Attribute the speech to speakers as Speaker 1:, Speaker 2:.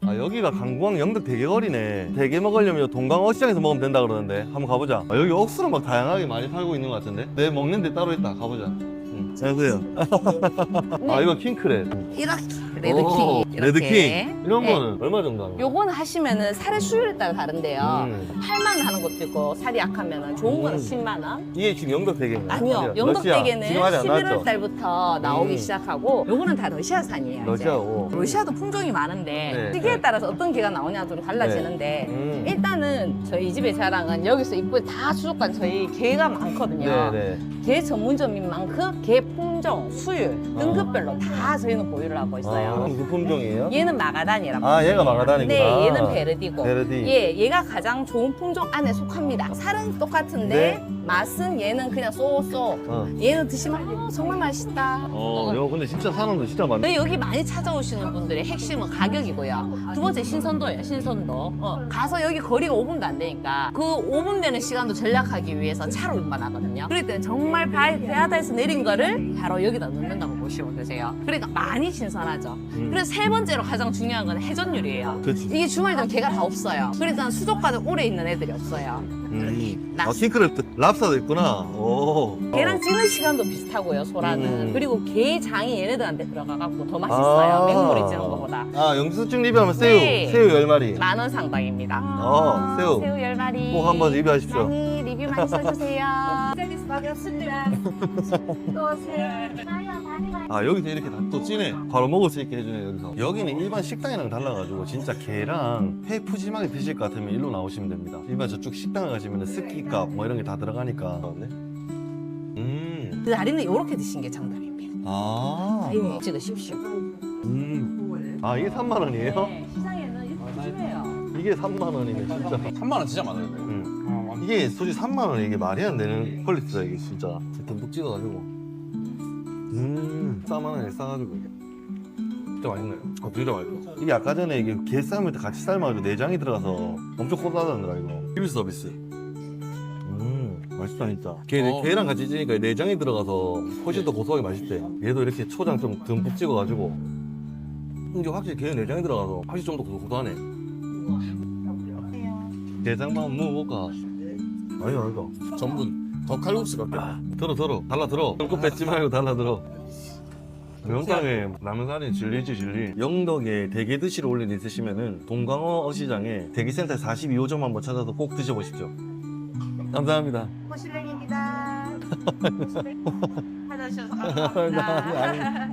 Speaker 1: 아, 여기가 강구항 영덕 대게거리네. 대게 먹으려면 동강어시장에서 먹으면 된다 그러는데 한번 가보자. 아, 여기 억수로 막 다양하게 많이 팔고 있는 것 같은데. 내 먹는 데 따로 있다. 가보자. 안녕하세요. 아, 이거 킹크랩.
Speaker 2: 이렇게
Speaker 1: 오,
Speaker 2: 레드킹.
Speaker 1: 레드킹. 이런
Speaker 2: 네.
Speaker 1: 거는 얼마 정도 하는 거야?
Speaker 2: 요거는 하시면은 살의 수율에 따라 다른데요. 8만 원 하는 것도 있고 살이 약하면은 좋은 거는 10만 원.
Speaker 1: 이게 지금 영덕 대게인가요?
Speaker 2: 아니요, 영덕대게는
Speaker 1: 지금 아직 안
Speaker 2: 11월
Speaker 1: 나왔죠?
Speaker 2: 달부터 나오기 시작하고 요거는 다 러시아산이에요. 이제.
Speaker 1: 러시아고.
Speaker 2: 러시아도 품종이 많은데
Speaker 1: 네.
Speaker 2: 시기에 따라서 어떤 게가 나오냐 좀 달라지는데 일단은 저희 이 집의 자랑은 여기서 입구에 다 수족관 저희 게가 많거든요.
Speaker 1: 네네.
Speaker 2: 게 전문점인 만큼 게 품종, 수율, 등급별로 다 저희는 보유를 하고 있어요.
Speaker 1: 아, 무슨 품종이에요?
Speaker 2: 얘는 마가단이라고.
Speaker 1: 아, 얘가 마가단이구나.
Speaker 2: 네, 얘는 베르디고.
Speaker 1: 베르디.
Speaker 2: 예, 얘가 가장 좋은 품종 안에 속합니다. 살은 똑같은데
Speaker 1: 네.
Speaker 2: 맛은 얘는 그냥 쏘쏘. 얘는 드시면 정말 맛있다.
Speaker 1: 이거 근데 진짜 사람도 진짜 많네.
Speaker 2: 저희 여기 많이 찾아오시는 분들의 핵심은 가격이고요. 두 번째 신선도예요, 신선도. 가서 여기 거리가 5분도 안 되니까 그 5분 되는 시간도 절약하기 위해서 차로 운반하거든요. 그럴 때는 정말 배바다에서 내린 거를 바로 여기다 넣는다고 보시면 되세요. 그러니까 많이 신선하죠. 그래서 세 번째로 가장 중요한 건 회전율이에요.
Speaker 1: 그치.
Speaker 2: 이게 주말 되면 개가 다 없어요. 그러니까 수족관에 오래 있는 애들이 없어요.
Speaker 1: 아, 킹크랩 랍스타도 있구나. 오.
Speaker 2: 개랑 찌는 시간도 비슷하고요, 소라는. 그리고 게 장이 얘네들한테 들어가갖고 더 맛있어요.
Speaker 1: 아.
Speaker 2: 맹물에 찌는 것보다.
Speaker 1: 아, 영수증 리뷰하면 새우.
Speaker 2: 네.
Speaker 1: 새우 10마리.
Speaker 2: 10,000원 상당입니다.
Speaker 1: 새우.
Speaker 2: 새우 10마리.
Speaker 1: 꼭 한번 리뷰하십시오.
Speaker 2: 많이 리뷰 많이 써주세요.
Speaker 3: 서비스 반갑습니다. 또 오세요.
Speaker 1: 아, 여기서 이렇게 다 또 찌네. 바로 먹을 수 있게 해주네, 여기서. 여기는 일반 식당이랑 달라가지고 진짜 게랑 회 푸짐하게 드실 것 같으면 일로 나오시면 됩니다. 일반 저쪽 식당에 가시면 스키값 뭐 이런 게 다 들어가니까.
Speaker 2: 그 다리는 이렇게 드신 게 정답입니다.
Speaker 1: 아.
Speaker 2: 예. 찍으십시오.
Speaker 1: 아, 이게 3만 원이에요?
Speaker 2: 네, 시장에는 이렇게 푸짐해요.
Speaker 1: 이게 3만 원이네, 진짜.
Speaker 4: 3만 원 진짜 많아요.
Speaker 1: 이게 솔직히 3만 원에 이게 말이 안 되는 퀄리티다, 이게 진짜. 듬뿍 찍어가지고. 4만 원에 싸가지고.
Speaker 4: 진짜 맛있네요.
Speaker 1: 진짜 맛있어. 이게 아까 전에 이게 게 삶을 때 같이 삶아가지고 내장이 들어가서 엄청 고소하더라, 이거. 리뷰 서비스. 맛있다, 진짜. 게랑 같이 찌니까 내장이 들어가서 훨씬 더 고소하게 맛있대. 얘도 이렇게 초장 좀 듬뿍 찍어가지고. 이게 확실히 게 내장이 들어가서 확실히 좀 더 고소하네. 게장만 한번 먹어볼까? 아니야.
Speaker 4: 전분 더 칼국수 같겠다.
Speaker 1: 들어. 달라 들어. 손끝 뺏지 말고 달라 들어. 영상에 라면사리 진리. 영덕에 대게 드시러 올 일 있으시면은 동강어 어시장에 대게센터 42호점 한번 찾아서 꼭 드셔보십시오. 감사합니다.
Speaker 3: 호실랭입니다. 찾아주셔서 감사합니다.